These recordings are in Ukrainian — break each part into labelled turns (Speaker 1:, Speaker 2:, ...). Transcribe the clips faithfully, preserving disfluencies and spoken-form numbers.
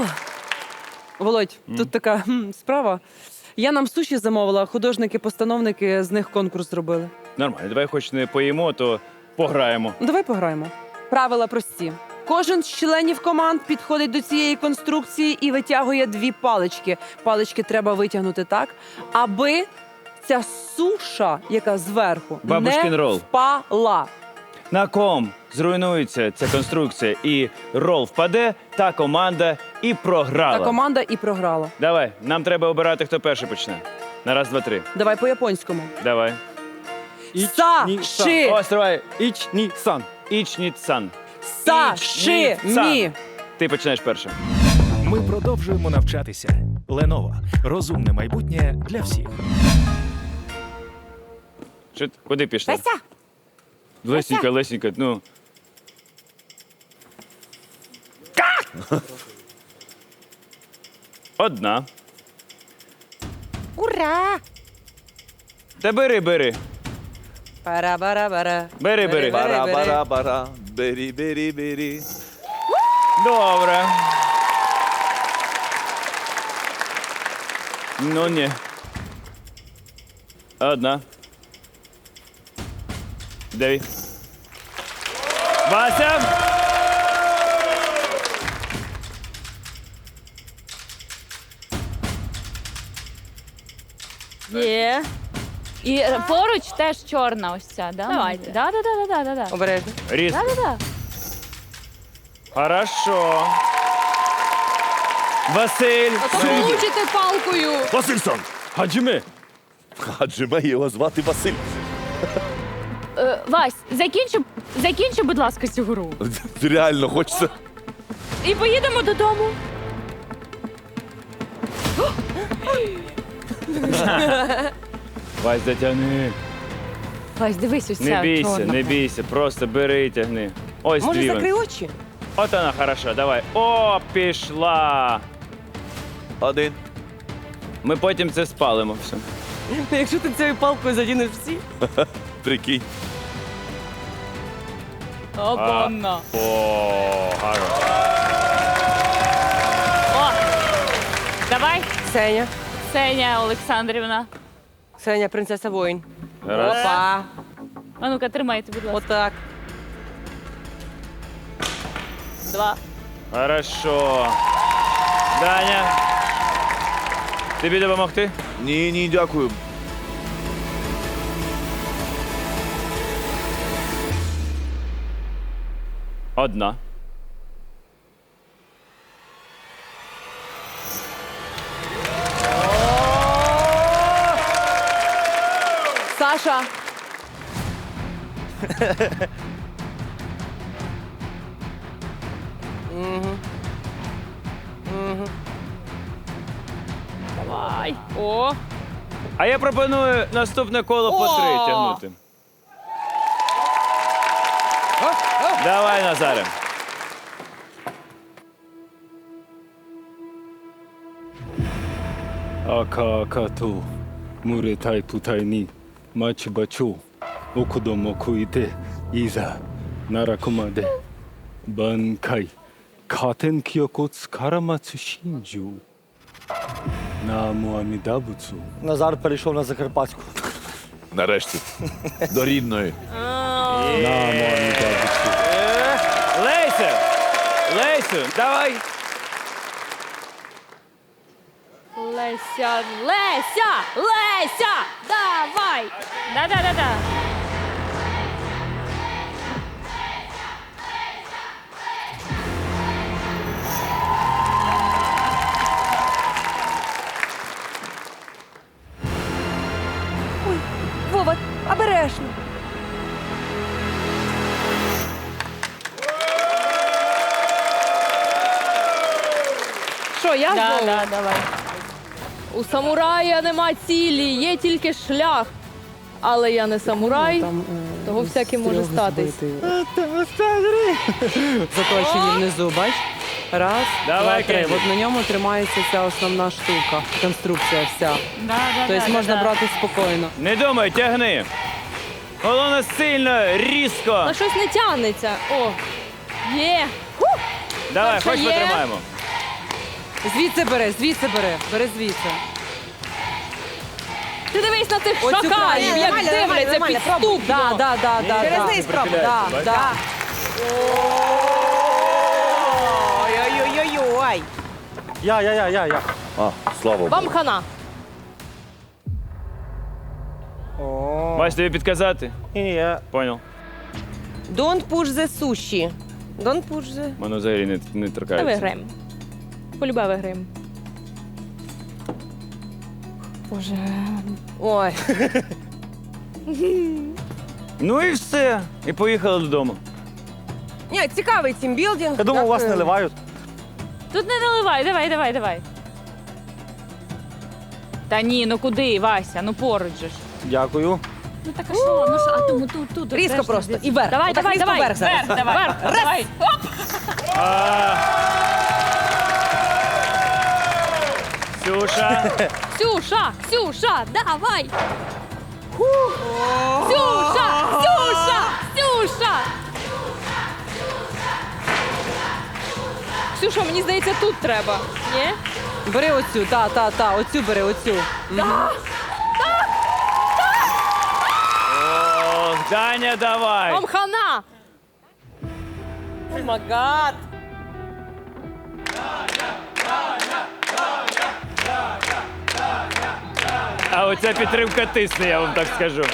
Speaker 1: Володь, тут така хм, справа. Я нам суші замовила, художники-постановники з них конкурс зробили.
Speaker 2: Нормально, давай хоч не поїмо, то пограємо.
Speaker 1: Ну, давай пограємо. Правила прості. Кожен з членів команд підходить до цієї конструкції і витягує дві палички. Палички треба витягнути так, аби ця суша, яка зверху,
Speaker 2: Бабушкин
Speaker 1: не
Speaker 2: рол.
Speaker 1: впала.
Speaker 2: На ком зруйнується ця конструкція і рол впаде, та команда і програла.
Speaker 1: Та команда і програла.
Speaker 2: Давай, нам треба обирати, хто перший почне. На раз, два, три.
Speaker 1: Давай по-японському.
Speaker 2: Давай.
Speaker 1: Са-ши!
Speaker 2: О, стривай.
Speaker 3: Іч, ні, сан.
Speaker 2: Ічніт-сан.
Speaker 1: Са-ши! Ні!
Speaker 2: Ти починаєш першим.
Speaker 4: Ми продовжуємо навчатися. Lenovo. Розумне майбутнє для всіх.
Speaker 2: Що, ти- куди пішла?
Speaker 5: Леся,
Speaker 2: Лесенька, Лесенька, ну. Одна.
Speaker 5: ура!
Speaker 2: Та бери, бери.
Speaker 1: Пара-бара-бара.
Speaker 2: Бери, бери.
Speaker 3: Бара-бара-бара, бері-бері-бері.
Speaker 2: Добре. Ну, ні. Одна. Дев'ять. Вася!
Speaker 6: Є. І е, поруч теж чорна ось ця, да?
Speaker 5: Давайте.
Speaker 6: Да, да, да, да, да, да.
Speaker 1: Обережно.
Speaker 2: Різ.
Speaker 6: Да, да, да.
Speaker 2: Хорошо. Василь.
Speaker 5: Помучите палкою.
Speaker 3: Васильсон!
Speaker 2: Хаджиме.
Speaker 3: Хаджиме, його звати Василь.
Speaker 6: Е, Вась, закінчи, закінчи, будь ласка, цю гру.
Speaker 3: Реально хочеться.
Speaker 6: І поїдемо додому.
Speaker 2: Вась, затягни.
Speaker 6: Вась, дивись, ось ця
Speaker 2: Не бійся,
Speaker 6: чорна.
Speaker 2: не бійся, просто бери і тягни. Ось
Speaker 1: Може,
Speaker 2: дві.
Speaker 1: закрий
Speaker 2: вон.
Speaker 1: очі?
Speaker 2: От вона, хорошо, давай. О, пішла.
Speaker 3: Один.
Speaker 2: Ми потім це спалимо все.
Speaker 1: Якщо ти цією палкою задінеш всі.
Speaker 3: Прикинь.
Speaker 6: Обонно.
Speaker 2: О, гарно.
Speaker 6: О, давай,
Speaker 1: Ксеня.
Speaker 6: Ксенія Олександрівна.
Speaker 1: Ксеня, принцеса воїн.
Speaker 2: Раз.
Speaker 1: Опа.
Speaker 6: А ну-ка, тримайте, будь ласка.
Speaker 1: Отак.
Speaker 6: Два.
Speaker 2: Хорошо. Даня. Тобі допомогти?
Speaker 3: Ні, ні, дякую.
Speaker 2: Одна.
Speaker 1: Саша.
Speaker 6: Давай. О,
Speaker 2: А я пропоную наступне коло по три
Speaker 1: О!
Speaker 2: тягнути. Давай, Назаре.
Speaker 7: Ака-акаと群れたい部隊に待ち場町お子供食いていざ奈良駒で挽回加点記憶を力待つ真珠ナムアミダ仏
Speaker 8: Назар перейшов на Закарпатську.
Speaker 3: Нарешті. До рідної.
Speaker 7: наmu аміда仏
Speaker 2: Леся! Лесю, давай.
Speaker 6: Леся, Леся, Леся, давай. Да-да-да-да.
Speaker 1: Вова, обережно. Що, я
Speaker 6: Да,
Speaker 1: знову?
Speaker 6: да, давай.
Speaker 5: У самурая нема цілі, є тільки шлях. Але я не самурай,
Speaker 1: Там, е,
Speaker 5: того всяке може
Speaker 1: стріл
Speaker 5: статись.
Speaker 1: збитий. Заточені внизу, бач? Раз,
Speaker 2: Давай,
Speaker 1: два, три.
Speaker 2: Кенді.
Speaker 1: От на ньому тримається ця основна штука, конструкція вся.
Speaker 6: Да, да,
Speaker 1: Тобто
Speaker 6: да,
Speaker 1: можна
Speaker 6: да.
Speaker 1: брати спокійно.
Speaker 2: Не думай, тягни. Головне сильно, різко.
Speaker 5: А щось не тягнеться. О, є.
Speaker 2: Давай,
Speaker 5: перша
Speaker 2: хоч
Speaker 5: є.
Speaker 2: потримаємо.
Speaker 1: Звідси бери, звідси бери, бери звідси.
Speaker 5: Ти дивись на цих
Speaker 1: Оцю
Speaker 5: шакалів,
Speaker 1: крайню.
Speaker 5: як
Speaker 1: Нормально, нормально,
Speaker 5: дивляться
Speaker 1: нормально, пробуй.
Speaker 5: підступно.
Speaker 1: Да, да, да, да,
Speaker 2: Через
Speaker 1: да.
Speaker 2: низ пробуй.
Speaker 1: Да,
Speaker 2: Бачиш?
Speaker 1: да.
Speaker 9: Ой-ой-ой-ой.
Speaker 8: Я, я, я, я, я.
Speaker 3: А, слава Богу.
Speaker 5: Вам хана.
Speaker 2: Вась, тобі підказати?
Speaker 8: Ні, ні, я.
Speaker 2: Понял.
Speaker 9: Don't push the sushi. Don't push the...
Speaker 2: Мене взагалі не, не
Speaker 5: Та
Speaker 2: торкається.
Speaker 5: виграємо. Полюбе виграємо. Боже.
Speaker 9: Ой.
Speaker 2: Ну і все. І поїхали додому.
Speaker 9: Ні, цікавий тімбілдинг.
Speaker 8: Я думав, у вас
Speaker 9: Дякую.
Speaker 8: не ливають.
Speaker 6: Тут не наливай, давай, давай, давай. Та ні, ну куди, Вася? Ну поруч же ж.
Speaker 8: Дякую.
Speaker 6: Ну так а що? Ну що, а тому тут, тут.
Speaker 9: Різко
Speaker 6: теж
Speaker 9: просто.
Speaker 6: десь.
Speaker 9: І вверх.
Speaker 6: Давай,
Speaker 9: Отак
Speaker 6: давай,
Speaker 9: різко
Speaker 6: давай.
Speaker 9: вверх зараз.
Speaker 6: Вверх, давай. Вверх, давай. Оп.
Speaker 2: Ксюша.
Speaker 5: Ксюша, Ксюша, давай. Ксюша, Ксюша, Ксюша. Ксюша, мені здається, тут треба. Ні?
Speaker 1: Бери оцю, та, та, та, оцю бери, оцю.
Speaker 2: Ох, Даня, давай.
Speaker 5: Вам хана.
Speaker 9: О май гад.
Speaker 2: А оця підтримка тисне, я вам так скажу.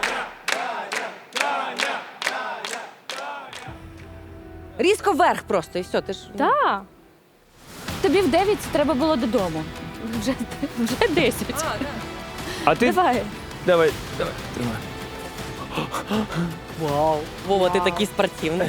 Speaker 9: Різко вверх просто, і все, ти ж...
Speaker 6: Так. Тобі в дев'ять треба було додому. Вже, вже десять.
Speaker 2: А ти?
Speaker 6: Давай.
Speaker 2: Давай, давай, тримай.
Speaker 9: Вау. Вова, ти такий спортивний.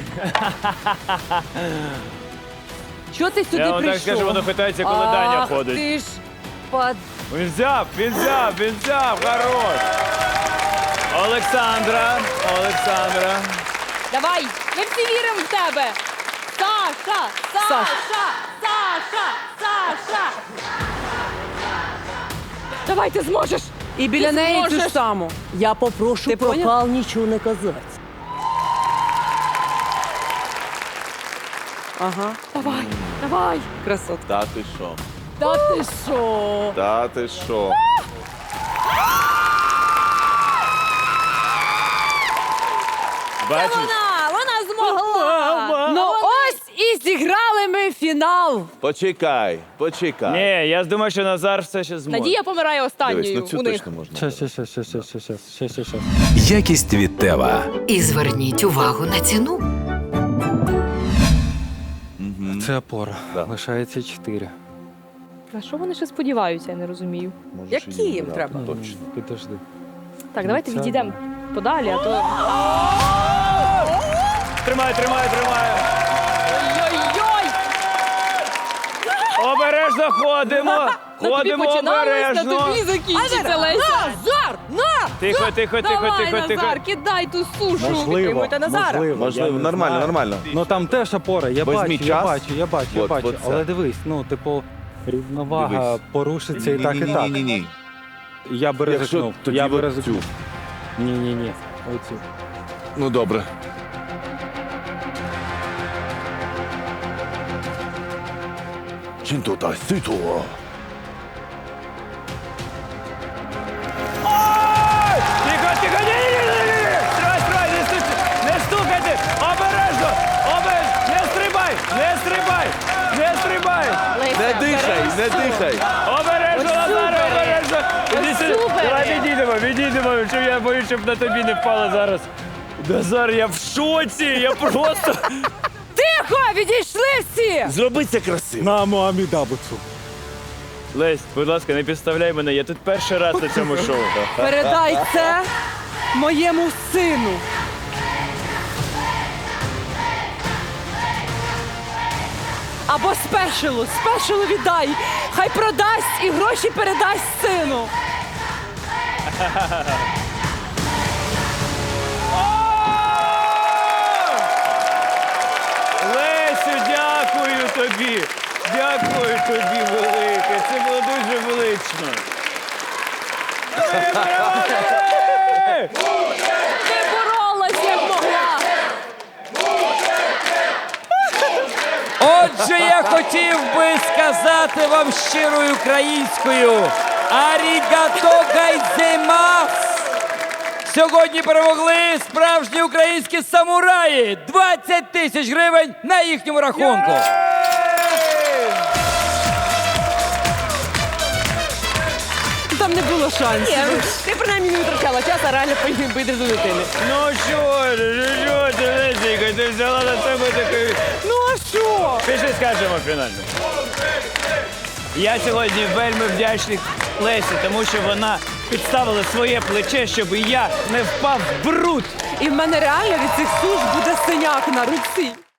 Speaker 1: Чого ти сюди
Speaker 2: Я вам так
Speaker 1: прийшов?
Speaker 2: скажу, воно питається, коли Даня
Speaker 9: Ах,
Speaker 2: ходить.
Speaker 9: ти ж под...
Speaker 2: Він взяв, він взяв, він взяв, хорош. Олександра, Олександра.
Speaker 5: Давай, ми всі віримо в тебе. Саша, Саша, Саша, Саша. Давай, ти зможеш.
Speaker 1: І біля
Speaker 5: Ти
Speaker 1: неї цю ж
Speaker 5: зможеш.
Speaker 1: саму.
Speaker 8: Я попрошу
Speaker 1: Ти поняв?
Speaker 8: нічого не казати.
Speaker 1: Ага,
Speaker 5: Давай, давай.
Speaker 1: красотка.
Speaker 3: Та ти що?
Speaker 5: Та ти що?
Speaker 3: Та ти що?
Speaker 2: Бачиш?
Speaker 5: Вона, вона змогла.
Speaker 1: Ну ось і зіграли ми фінал.
Speaker 3: Почекай, почекай.
Speaker 2: Ні, я думаю, що Назар все ще зможе.
Speaker 5: Надія помирає
Speaker 3: Дивись,
Speaker 5: останньою
Speaker 3: ну цю
Speaker 5: у них.
Speaker 3: точно можна.
Speaker 8: Щас, щас, щас, щас, щас, щас, щас, щас, щас.
Speaker 10: Якість від Тева.
Speaker 11: І зверніть увагу на ціну.
Speaker 8: Це опора.
Speaker 3: Да.
Speaker 8: Лишається чотири.
Speaker 5: На що вони ще сподіваються, я не розумію.
Speaker 3: Можеш
Speaker 9: Які
Speaker 3: її
Speaker 9: їм
Speaker 3: брати,
Speaker 9: треба?
Speaker 3: Точно.
Speaker 8: Підожди.
Speaker 5: Так, давайте
Speaker 8: Це-
Speaker 5: відійдемо подалі, а то.
Speaker 2: Тримай, тримай, тримай.
Speaker 5: Ой-ой-ой!
Speaker 2: Обережно ходимо.
Speaker 5: На тобі
Speaker 2: Ходимо
Speaker 5: починалось, на
Speaker 2: обережно.
Speaker 5: тобі закінчиться, Леся.
Speaker 9: Назар! На!
Speaker 2: Тихо, тихо, тихо,
Speaker 5: Давай,
Speaker 2: тихо, тихо.
Speaker 5: Назар, кидай ту сушу.
Speaker 8: Можливо,
Speaker 9: Підтримуйте Назара.
Speaker 8: можливо. я
Speaker 3: Можливо,
Speaker 8: не
Speaker 3: нормально,
Speaker 8: знаю.
Speaker 3: нормально.
Speaker 8: Ну там теж опора, я
Speaker 3: Візьміть
Speaker 8: бачу, я
Speaker 3: час.
Speaker 8: бачу, я бачу, я
Speaker 3: От,
Speaker 8: бачу.
Speaker 3: от це.
Speaker 8: Але дивись, ну, типу, рівновага
Speaker 3: Дивись.
Speaker 8: порушиться і так, і так.
Speaker 3: Ні-ні-ні.
Speaker 8: Я би
Speaker 3: Якщо
Speaker 8: ризикнув.
Speaker 3: тоді
Speaker 8: Я би
Speaker 3: от
Speaker 8: ризикнув.
Speaker 3: цю.
Speaker 8: Ні, ні, ні. Оцю.
Speaker 3: Ну добре. Чинто сито.
Speaker 2: Тихо, тихо, ні, ні, ні, ні, ні. Стривай, стривай, не стукайте, не стукайте. Обережно, обережно, не стрибай, не стрибай, не стрибай.
Speaker 3: Не дихай, не дихай.
Speaker 2: Обережно, Назаре, обережно. Іди сюди.
Speaker 5: супер.
Speaker 2: Давай відійдемо, відійдемо, щоб я боюсь, щоб на тобі не впало зараз. Назар, я в шоці, я просто...
Speaker 1: Тихо, відійшли всі!
Speaker 3: Зроби це красиво.
Speaker 8: На мамі дабуцу.
Speaker 2: Лесь, будь ласка, не підставляй мене, я тут перший раз на цьому шоу.
Speaker 1: Передай це моєму сину. Або спешилу, спешилу віддай. Хай продасть і гроші передасть сину.
Speaker 2: Лесю, дякую тобі. Дякую тобі велике. Це було дуже велично. Ми перемогли!
Speaker 5: Ти боролась, як могла.
Speaker 2: Отже, я хотів би сказати вам щирою українською «Арігато гайзеймас». Сьогодні перемогли справжні українські самураї. двадцять тисяч гривень на їхньому рахунку.
Speaker 1: Там не було шансів.
Speaker 9: Ні, ти принаймні не витрачала час, а реально бити до дитини.
Speaker 2: Ну що, що ти, Лесіка, ти взяла на себе такий...
Speaker 1: Ну а що?
Speaker 2: Пішли скажемо фінально. Я сьогодні вельми вдячний Лесі, тому що вона підставила своє плече, щоб я не впав в бруд.
Speaker 1: І в мене реально від цих суш буде синяк на руці.